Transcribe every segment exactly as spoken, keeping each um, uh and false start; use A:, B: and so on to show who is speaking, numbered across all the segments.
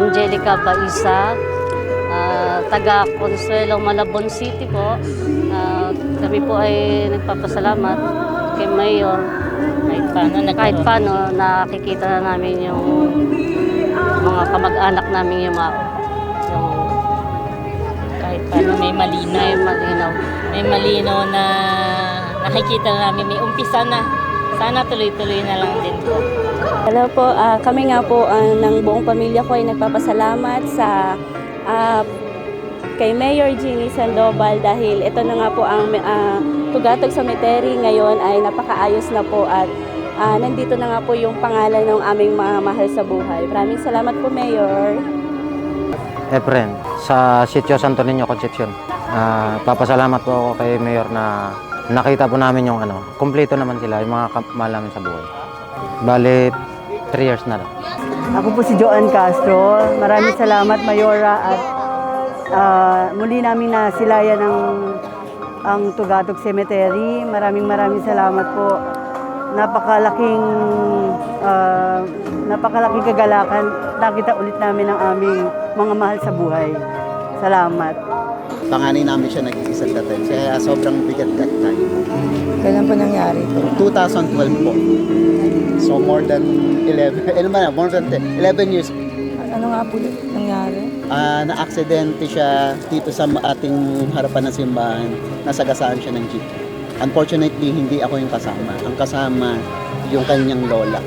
A: Angelica Baisa, uh, taga Consuelo, Malabon City po. Uh, kami po ay nagpapasalamat kay Mayor. Kahit paano, kahit paano nakikita na namin yung mga kamag-anak namin yung, yung
B: kahit paano may malinaw.
A: May malinaw.
B: May malinaw na nakikita na namin, may umpisa na. Sana tuloy-tuloy na lang din po.
C: Hello po, uh, kami nga po uh, ng buong pamilya ko ay nagpapasalamat sa uh, kay Mayor Jeannie Sandoval dahil ito na nga po ang uh, Tugatog Cemetery ngayon ay napakaayos na po at uh, nandito na nga po yung pangalan ng aming mga mahal sa buhay. Maraming salamat po, Mayor.
D: Efren, sa Sitio Santo Niño, Concepcion. Uh, papasalamat po ako kay Mayor na nakita po namin yung ano, kumpleto naman sila, yung mga mahal namin sa buhay. Bale, three years na lang.
E: Ako po si Joan Castro. Maraming salamat, Mayora, at uh, muli namin nasilayan ang, ang Tugatog Cemetery. Maraming maraming salamat po. Napakalaking, uh, napakalaking kagalakan. Nakita ulit namin ang aming mga mahal sa buhay. Salamat.
F: Panganay namin siya nag-iisang datin. Kaya sobrang bigat that time.
G: Kailan po nangyari ito?
F: twenty twelve po. So more than eleven, ano ba na, more than ten, eleven years.
G: Ano nga po nangyari?
F: Uh, na-aksidente siya dito sa ating harapan ng simbahan. Nasagasaan siya ng jeep. Unfortunately, hindi ako yung kasama. Ang kasama, yung kanyang lola.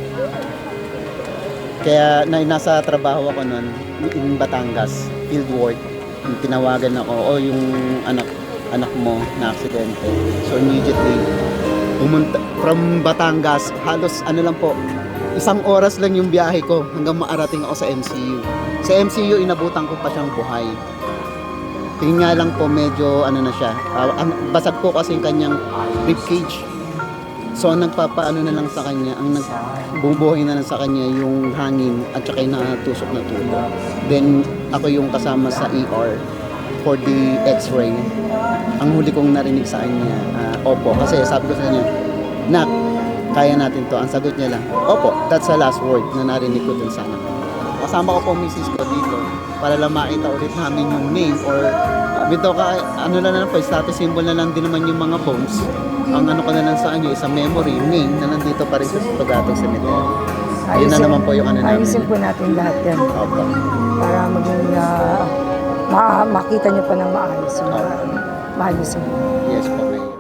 F: Kaya na, nasa trabaho ako noon in Batangas, field work. Tinawagan ako, o oh, yung anak anak mo na aksidente. So immediately, pumunta from Batangas, halos ano lang po, isang oras lang yung biyahe ko hanggang maarating ako sa M C U. Sa M C U, inabutan ko pa siyang buhay. Tingin nga lang po, medyo ano na siya, uh, basag po kasi yung kanyang rib cage. So ang nagpapaano na lang sa kanya, ang nagbubuhay na lang sa kanya yung hangin at saka yung natusok na tulo. Then ako yung kasama sa E R for the x-ray. Ang huli kong narinig sa kanya, uh, opo. Kasi sabi ko sa kanya, Nak, kaya natin to. Ang sagot niya lang, opo, that's the last word na narinig ko dun sana. Kasama ko po misis ko dito para lang makita ulit namin yung name or bito ka, ano na lang po, status symbol na lang din naman yung mga bones. Ang ano ko na lang sa kanya, isang memory, yung name na nandito pa rin sa Tugatog Cemetery. Ayun na naman po yung ano namin.
G: Ayusin po natin lahat yan.
F: Opo.
G: Para maging uh, ma makita nyo pa ng maayos yung uh, mahal nyo sa buhay.
F: Yes po, Mayor.